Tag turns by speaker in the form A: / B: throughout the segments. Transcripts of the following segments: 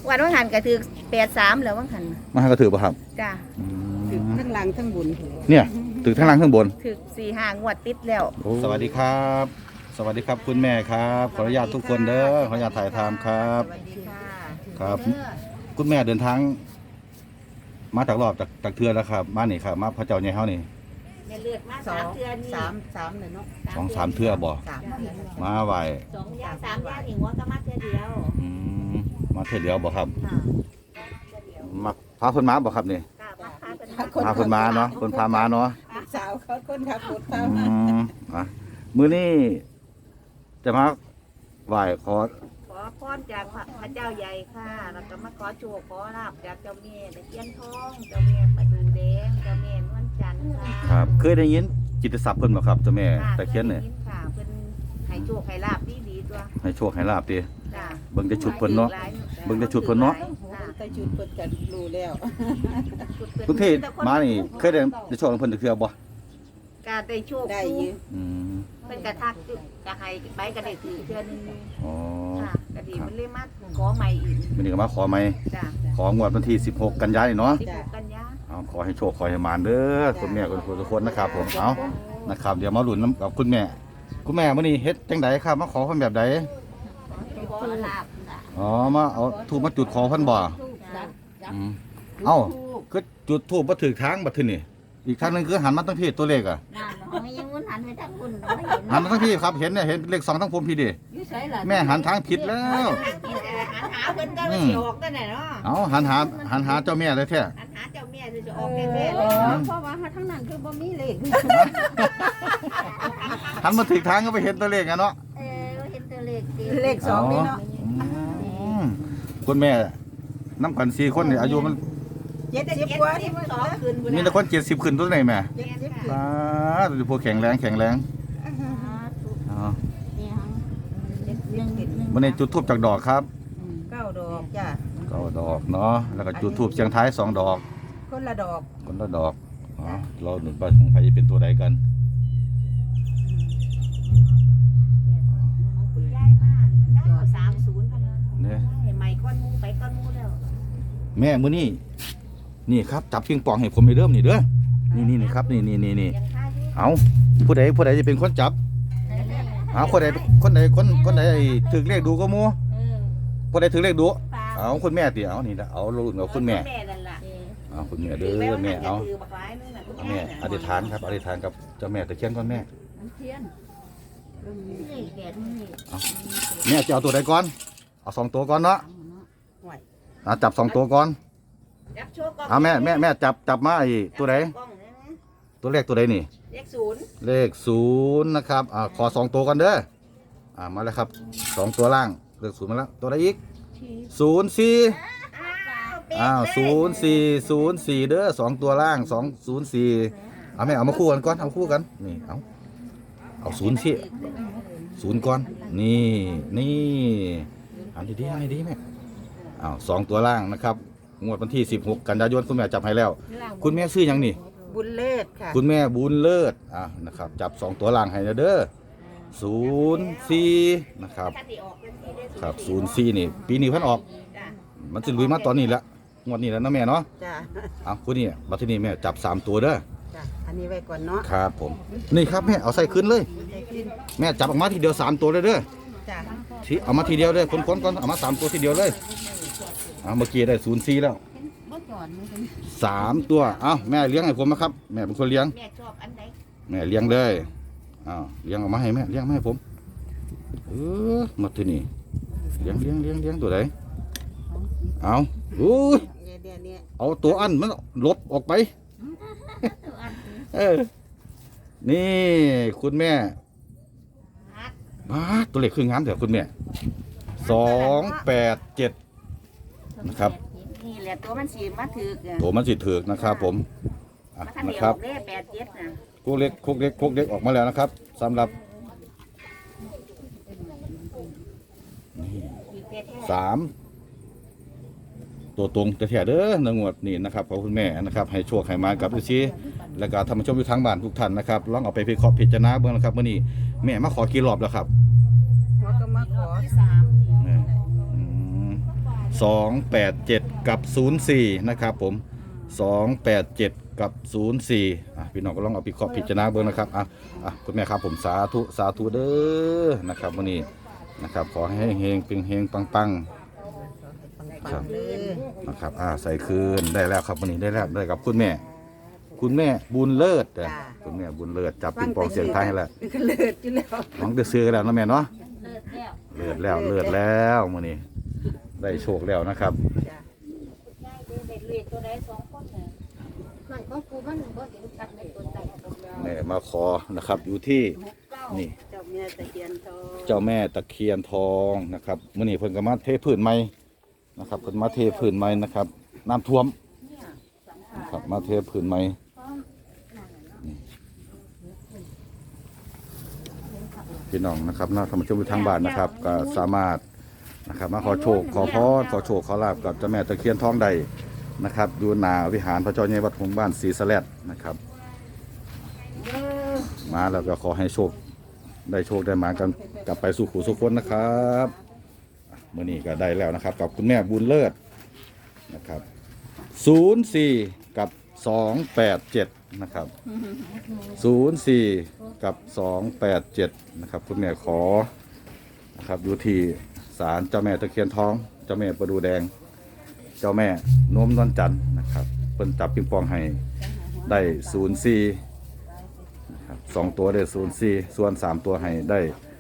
A: วันว่างหันก็ถือ83แล้วว่างหัน
B: มาให้ก็ถือป่ะครับ
A: จ้า
C: ถึงทั้งหลังทั้งบุญ
B: เนี่ยถือทั้งล่างทั้งบน
A: ถือ4-5 งวดติดแล้ว
B: สวัสดีครับ สวัสดีครับคุณแม่ครับขออนุญาตทุกคนเด้อขออนุญาตถ่ายทำครับ
A: สวัสดีค่ะ
B: ครับ คุณแม่เดินทางมาจากรอบจากเทือแล้วครับมานี่ครับมาพระเจ้าใหญ่เฮานี่
A: แม่เลือดมา
C: สอง
A: 3 เดือนนี่
C: สามเลยเนาะ
B: 2-3 เทือบ่
C: สาม
B: มาไหว
A: 2 ย่าง 3 ย่างอีกหัวก็มาเทื่อเดียว
B: อืมมาเทือเดียวบ่ครับมาพาเพิ่นมาบ่ครับนี่
A: ค่ะมาพาเพิ่น
B: พาเพิ่นมาเนาะเพิ่นพามาเนาะ
C: สาวเขาคนขับรถ
B: อื
C: พาม
B: อ่ะมื้อนี้จะมาไหว้ขอ
A: ขอพรจากพระเจ้าใหญ่ค่ะแล้วก็มาขอโชคขอลาบจากเจ้าแม่ตะเคียนทองเจ้าแม่ประดูแดงเจ้าแม่นวลจันทร์ค่ะ
B: ครับเคยได้ยินกิตติศัพท์เพิ่นบ่ครับเจ้าแม่ตะเคียนเนี่ย
A: ค่ะเพิ่นให้โชคให้ลาบดีๆตัว
B: ให้โชคให้ลาบติ
A: จ้า
B: เบิ่งแต่ชุดเพิ่นเนาะ เบิ่งแต่ชุดเพิ่นเนาะ
C: แต่จุดเปิดกันรู้แล้ว
B: คุณพี่มานี่เคยได้โชคของเพิ่นจักเทื่อบ่
A: การได้โชค
C: ได้อยื
B: อืม
A: เพิ่นกระทักกระให้ใบกระได้ถือเทื่อนึง
B: อ๋อ
A: ค่ะกระดีมันเลยมาขอใหม่อีก
B: มื้อนี้ก็มาขอใหม่
A: จ้า
B: ของวดวันที่16กันยายนนี่เนาะ
A: 16 กันยา
B: เอาขอให้โชคขอให้หมานเด้อคุณแม่ทุกคนนะครับผมเอานะครับเดี๋ยวมาลุ้นนำกับคุณแม่มื้อนี้เฮ็ดจังไดครับมาขอเพิ่นแบบใด
A: ขอลาบจ้ะ
B: อ๋อมาเอาธูปมาจุดขอเพิ่นบ่อืมเอ้าคือจุดธูปบ่ถูกทางบัดทีนี่อีกทางหนึงคือหันมาตั้งพี่ตัวเลขอ่ะ
A: นั่นของยังมันหันไปทางคุณไม่เห็น
B: หันมาตั้งพี่ครับเห็นเนี่ยเห็นเลข2ทั้งผมพี่ดิ
A: อยู่ไสล่ะ
B: แม่หันทางผิดแล้ว
A: หาเพิ่นก็ไม่สิออกตั้งไหนเนาะ
B: เอาหันหาเจ้าแม่เลยแท้
A: หันหาเจ้าแม่จะออกแท้ๆเลย
C: เพราะว่าทั้งนั้นคือบ่มีเลข
B: หันมาถึงทางก็ไปเห็นตัวเลขอะเนาะ
A: เห็นตัวเลขดี
C: เลขสองนี่เนาะ
B: อืมคุณแม่น้ำกัน4คนนี่อายุมัน
C: 70กว่านี่มัน
A: 2คืน
B: มีแต่คน70ขึ้นตัวไหนแม่
C: 70
B: ป้าดูพวกแข็งแรงอ๋อวันนี้จุดทูบจากดอกครับ
C: 9 ดอกจ้ะ
B: ก็ดอกเนาะแล้วก็จุดทูบเสียงท้าย2 ดอก
C: คนละดอก
B: คนละดอกอ๋อเราหนึ่งไปของใครจะเป็นตัวใดกัน
A: ย้ายมาย้ายเอา30พัน
B: เนี่ย
A: ให้ใหม่ก้อนมูไปก้อนมูแล้ว
B: แม่มื้อนี้นี่ครับจับปิงปองให้ผมไปเริ่มนี่เด้อนี่ครับนี่
A: ยังค่าอยู่
B: เอาผู้ใดจะเป็นคนจับเอาคนใดถือเลขดูก็มูคนใดถือเลขดูเอาคุณแม่ติเอานี่ละเอารุ่นเอาคุณแม่
A: นั่นล่ะ
B: เอาคุณแม่เด้อแม่เอาแม่อธิษฐานครับอธิษฐานกับเจ้าแม่ตะเคียนก่อนแม่แม่จะเอาตัวใดก่อนเอา2 ตัวก่อนเนาะจับ2 ตัวก่อนเอาแม่จับมาไอ้ตัวใดตัวเลขตัวใดนี่ เลข0นะครับขอ2 ตัวกันเด้อมาแล้วครับ2 ตัวล่างเลข0มาแล้วตัวใดอีก0404เด้อ2 ตัวล่าง204เอาแม่เอามาคู่กันก่อนเอาคู่กันนี่เอา0ก่อนนี่อันดีแม่2 ตัวล่างนะครับงวดวันที่16กันยายนคุณแม่จับให้แล้วคุณแม่ซื้อหยังนี่
C: บุญเลิศค่ะ
B: คุณแม่บุญเลิศนะครับจับ2 ตัวล่างให้นะเด้อ04นะครับครับ04นี่ปีนี้เพิ่นออกมันจะลุยมาตอนนี้แล้วงวดนี้แล้วนะแม่เนาะ
C: จ้ะ
B: คุณนี่บัดทีนี้แม่จับ3 ตัวเด้อ
C: จ้ะอันนี้ไว้ก่อนเนาะ
B: ครับผมนี่ครับแม่เอาใส่ขึ้นเลย
C: ได้ขึ้น
B: แม่จับออกมาทีเดียว3 ตัวเลยเด้อ
C: จ้ะ
B: ทีเอามาทีเดียวเลยคนก่อนเอามา3 ตัวทีเดียวเลยเมื่อกี้ได้04แล้ว3 ตัวแม่เลี้ยงให้ผมนะครับแม่เป็นคนเลี้ยง
A: แม่ชอบอันไหน
B: แม่เลี้ยงเลยเลี้ยงออกมาให้แม่เลี้ยงมาให้ผมมาที่นี่เลี้ยงตัวไหนอุ้ย
C: เดี๋ยวนี้
B: เอาตัวอันมันลบออกไปนี่คุณแม่ตัวเลขคืองามเถอะคุณแม่287นะครับ
A: นี่แหละตัวมันสีมาถือ
B: ตัวมันสิถือกนะครับผม
A: มาทำ
B: นะ
A: เดีย
B: ครับ
A: วได้87นะ
B: โคกเล็กออกมาแล้วนะครับสำหรับ3 ตัวตรงแต่แท้เด้อในงวดนี้นะครับขอบคุณแม่นะครับให้โชคให้มากับดูซิแล้วก็ท่านผู้ชมอยู่ทางบ้านทุกท่านนะครับลองเอาไปพิเคราะห์พิจารณาเบิ่งนะครับมื้อนี้แม่มาขอกี่รอบแล้วครับ
C: หัวก็มาขอ
A: ที่3
B: อืม 287กับ04นะครับผม287กับ04พี่น้องก็ลองเอาพิจารณาเบิ่งนะครับคุณแม่ครับผมสาธุเด้อนะครับวันนี้นะครับขอให้เฮงเป็นเฮงปังครับนะครับใส่คืนได้แล้วครับวันนี้ได้แล้วได้กับคุณแม่บุญเลิศคุณแม่บุญเลิศจับปิงปองเสียงไทยให้แล้ว
C: เลิศอยู่แล้ว
B: น้องจะซื้อแล้วนะแม่เนาะเลิศแล้วมื้อนี้ได้โชคแล้วนะครับแม่มาขอนะครับอยู่ที่นี่เจ้าแม่ตะเคียนทองนะครับมื้อนี้เพิ่นก็มาเทพื้นใหม่นะครับเพิ่นมาเทพื้นใหม่นะครับน้ำท่วมนะครับมาเทพื้นใหม่พี่น้องนะครับท่านผู้ชมทางบ้านนะครับก็สามารถนะครับมาขอโชคขอพรขอลาภกับเจ้าแม่ตะเคียนทองได้นะครับอยู่หน้าวิหารพระเจ้าใหญ่วัดหงส์บ้านศรีสะแลดนะครับมาแล้วก็ขอให้โชคได้มากันกลับไปสู่ขู่สู่คนนะครับเมื่อนี้ก็ได้แล้วนะครับกับคุณแม่บุญเลิศนะครับ04กับ287นะครับ04กับ287นะครับคุณแม่ขอนะครับอยู่ที่ศาลเจ้าแม่ตะเคียนทองเจ้าแม่ประดูแดงเจ้าแม่โน้มนวลจันทร์นะครับเพิ่นจับปิงปองให้ได้04นะครับ2ตัวได้04ส่วน3ตัวให้ได้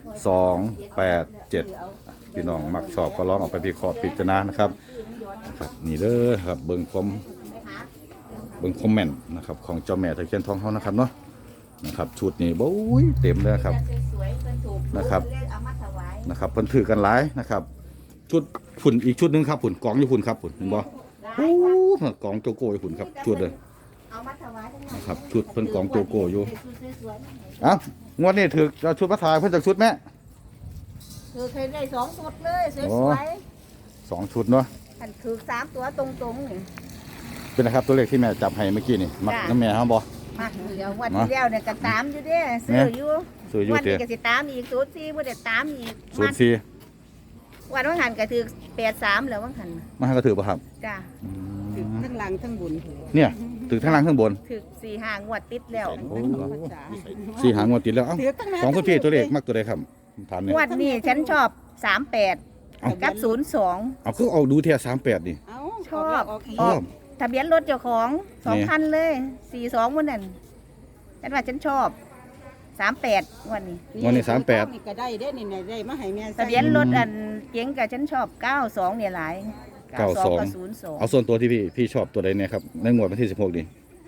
B: 287พี่น้องมักชอบก็ลองเอาไปพิจารณานะครับนี่เด้อครับเบิ่งคอมเมนต์นะครับของเจ้าแม่ตะเคียนทองเฮานะครับเนาะนะครับชุดนี้โอ้ยเต็มเลยครับนะครับเพิ่นถือกันหลายนะครับชุดฝุ่นอีกชุดนึงครับฝุ่นกองอยู่ฝุ่นครับฝุ่นเห็นบ่โอ้กองโจโก้อยู่ฝุ่นครับชุดเลยนะครับชุดเพิ่นกองโจโก้อยู่งวดนี้ถือเอาชุดมาถ่ายเพิ่นจากชุดแม่
A: คือเคยได้2ชุดเลยสวย
B: ๆ2ชุดเนาะ
A: อันถือ3ตัวตรงๆนี่
B: เป็นนะครับตัวเลขที่แม่จับให้เมื่อกี้นี่มักน้ำแม่ครับบ่
A: มักเดี๋ยววันที่แล้วเนี่ยก็ตามอยู่เด้ซื้ออยู่วันนี้ก็สิตามอีก04บ่ได้ตามอีก04วันหันก็ถือ83แล้ววันหัน
B: มาก็ถือบ่ครับ
A: จ้ะ
C: ถือทั้งหลังทั้งบน
B: เนี่ยถือทั้งล่างทั้งบน
A: ถือ4-5งวดติดแล้ว
B: 4-5งวดติดแล้วของคุณพี่ตัวเลขมักตัวใดครับถามเนี่ย
A: งวดนี้ฉันชอบ38กับ02
B: เอาคือเอาดูเทีย38นี่
A: ชอบทะเบียนรถเจ้าของ2คันเลย42มื้อนั้นฉันว่าฉันชอบ38วัน
B: นี้38
C: นี่ก็ได้เด้นี่ได้มาให้แม่
A: ทะเบียนรถอันเก๋งกับฉันชอบ92เนี่ยหลาย
B: 92กับ02เอาส่วนตัวที่พี่ชอบตัวใดเนี่ยครับในงวดวันที่16นี่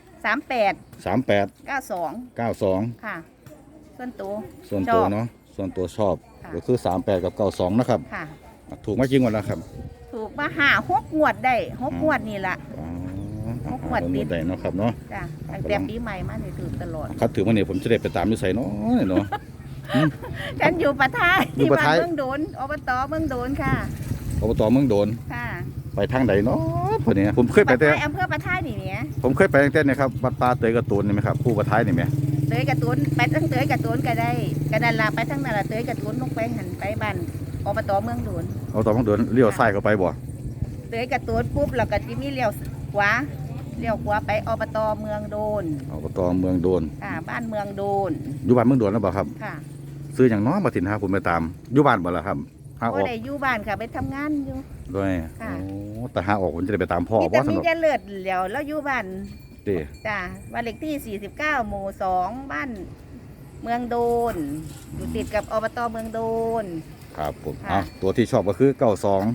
B: 38 92ค่ะส่วนตัวเนาะส่วนตัวชอบก็คือ38กับ92นะครับค่ะถูกมาจริงวันแล้วครับ
A: ถูกมา5-6งวดได้6งวดนี่ล่ะ6งวดติด
B: ได้เนาะครับเนาะ
A: จ้ะตั้งแต่ปีใหม่มานี่ถือตลอด
B: ครับถือว่าเนี่ยผมจะได้ไปตามอยู่ไสเนาะ
A: ฉันอยู่ปะท้ายที่บ้านเมืองโดนอบตเมืองโดนค่ะ
B: อบตเมืองโดน
A: ค่ะ
B: ไปทางใดเนาะพอดีผมเคยไปแต่
A: อำเภอปะท้ายนี่แหม
B: ผมเคยไปตั้งแต่เนี่ยครับวัดป่าเตยกระตูนนี่ไหมครับผู้ปะท้ายนี่ไหม
A: เตยกระตูนไปทั้งเตยกระตูนก็ได้กระนันลาไปทั้งนั่นละเตยกระตูนลงไปหันไปบ้านอบตเมืองโดน
B: อบตเมืองโดนเลี้ยวซ้ายเข้าไปบ่
A: เตยกระตูนปุ๊บแล้วก็จะมีเลี้ยวขวาไปอบตเมืองโดน
B: อบตเมืองโดน
A: บ้านเมืองโดน
B: อยู่บ้านเมืองโดนแล้วบ่ครับ
A: ค่ะ
B: ซื้ออย่างน้อยมาถิ่นหาผมไปตามอยู่บ้านบ่ล่ะครับ
A: หาออกได้อยู่บ้านค่ะไปทำงานอยู่
B: ด้วยแต่หาออกผมจะได้ไปตามพ่อ
A: ว่าสนุกมีจะเลือดแล้วอยู่บ้านจ้ะบ้านเลขที่49หมู่2บ้านเมืองโดนอยู่ติดกับอบตเมืองโดน
B: ครับผมตัวที่ชอบก็คือ92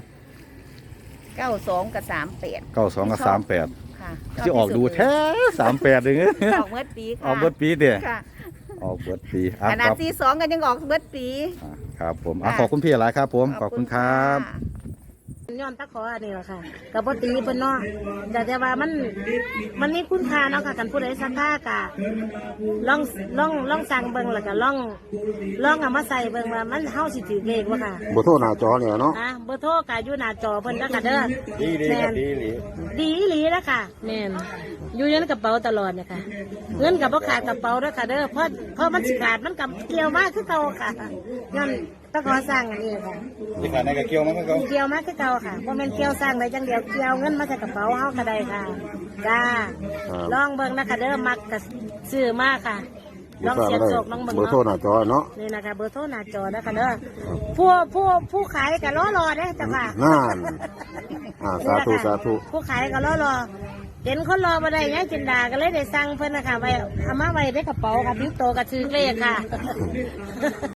A: กับ38
B: 92กับ38ที่ออกดูแท้38เด้อ
A: ออกเบิดปีค่ะ
B: ออกเบิดปีเด้อออกเบิดปี
A: ขนาด42กันยังออกเบิดปี
B: ครับผมขอบคุณพี่หลายครับผมขอบคุณครับ
D: ย้อนตะขออันนี้แหละค่ะกับปตีเพิ่นเนาะแต่ว่ามันมีคุณค่าเนาะค่ะกันผู้ใดสักค่ากะลองสั่งเบิ่งแล้วก็ลองเอามาใส่เบิ่งว่ามันเฮาสิถือเลขบ่ค่ะ
B: เบอร์โทรหน้าจอเนี่ยเนาะ
D: เบอร์โทรก็อยู่หน้าจอเพิ่นแล้วก็เด้อดีหลีแล้วค่ะแม่นอยู่ในกระเป๋าตลอดเนี่ยค่ะเงินกับบ่ขาดกระเป๋าเด้อค่ะเด้อเพราะมันสิขาดมันกับเกี่ยวมากคือเก่าค่ะย้อนตะขอสร้างอันนี้ค่ะ
B: ที่ขาดในกระเกี่ยวมันก็
D: เกี่ยวมาคือเก่าค่ะบ่แม่นเกี่ยวสร้างได้จังเดียวเกี่ยวเงินมาใส่กระเป๋าเฮาก็ได้ค่ะจ้าลองเบิ่งนะคะเด้อมักก็ซื้อมาค่ะลองเสียบโศกลองเบิ่ง
E: เบอร์โทรห
D: เนาะ
E: น้าจอเนาะ
D: นี่นะคะเบอร์โทรหน้าจอนะคะเด้อผู้ขายก็รอเด้อจ้ะค่ะ
E: นั่นสาธุสาธุ
D: ผู้ขายก็รอเห็นคนรอมาได้ยังจินดาก็เลยได้สั่งเพิ่นนะคะไว้เอามาไว้ในกระเป๋าค่ะพี่โตกับชื่อเลขค่ะ